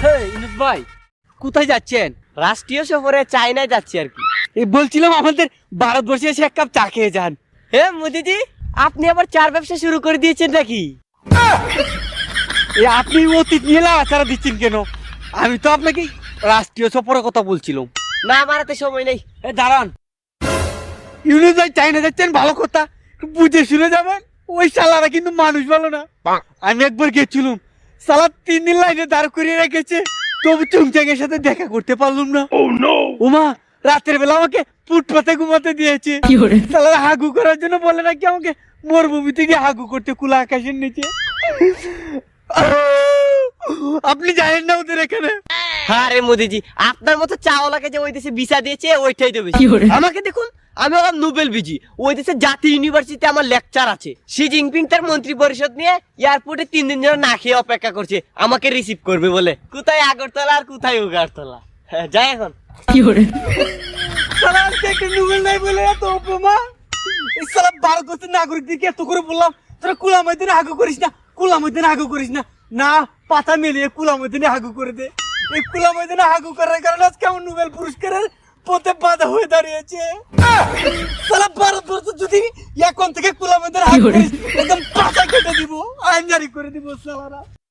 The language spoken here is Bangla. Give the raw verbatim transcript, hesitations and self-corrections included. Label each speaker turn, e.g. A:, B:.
A: ইনুস ভাই কোথায় যাচ্ছেন?
B: রাষ্ট্রীয় সফরে চায়নায় যাচ্ছি আর কি।
A: এই বলছিলাম আমাদের ভারতবর্ষে এসে এক কাপ চা খেয়ে যান।
B: হে মোদিজি, আপনি আবার চার ব্যবসা শুরু করে দিয়েছেন নাকি?
A: এই আপনি অতীত নিয়ে লাগাছাড়া দিচ্ছেন কেন? আমি তো আপনাকে রাষ্ট্রীয় সফরের কথা বলছিলাম।
B: না, আমার হাতে সময় নেই।
A: এ দাঁড়ান, ইউনুস ভাই চাইনা যাচ্ছেন ভালো কথা, বুঝে শুনে যাবেন। ওই শালারা কিন্তু মানুষ ভালো না। আমি একবার গেছিলাম, শালা তিন দিন লাইনে দাঁড় করিয়ে রেখেছে, তবু চুংচাং এর সাথে দেখা করতে পারলাম না। ওমা রাতের বেলা আমাকে ফুটপাতে ঘুমাতে দিয়েছে। শালারা হাগু করার জন্য বলে নাকি আমাকে মরুভূমি থেকে হাগু করতে খোলা আকাশের নিচে। আপনি জানেন না ওদের এখানে?
B: হ্যাঁ রে মোদিজি, আপনার মতো চাওয়ালাকে যে ওই দেশে ভিসা দিয়েছে ওইটাই দেবে। আমাকে দেখুন, আমি হলাম নোবেল বিজি। ওই দেশে জাতীয় ইউনিভার্সিটিতে আমার লেকচার আছে। শি জিনপিং তার মন্ত্রী পরিষদ নিয়ে এয়ারপোর্টে তিন দিন ধরে না খেয়ে অপেক্ষা করছে আমাকে রিসিভ করবে বলে। কোথায় আগরতলা আর কোথায় উগারতলা। হ্যাঁ, যাই এখন।
A: কি করে শালা একটা নোবেল নাই বলে এত অপমান। এই শালা ভারতবর্ষের নাগরিকদেরকে এত করে বললাম তোরা কুলা ময়দানে হাগু করিস না, কুলা ময়দানে হাগু করিস না। না, পাতা মেলিয়ে কুলা ময়দানে হাগু করে দে। এই কুলা ময়দানে হাগু করার কারণে আজকে আমার নোবেল পুরস্কারের পথে বাধা হয়ে দাঁড়িয়েছে। শালা ভারতবর্ষ যদি এখন থেকে কুলা ময়দানে হাগু করিস একদম পাতা কেটে দিব, আইন জারি করে দিব শালারা।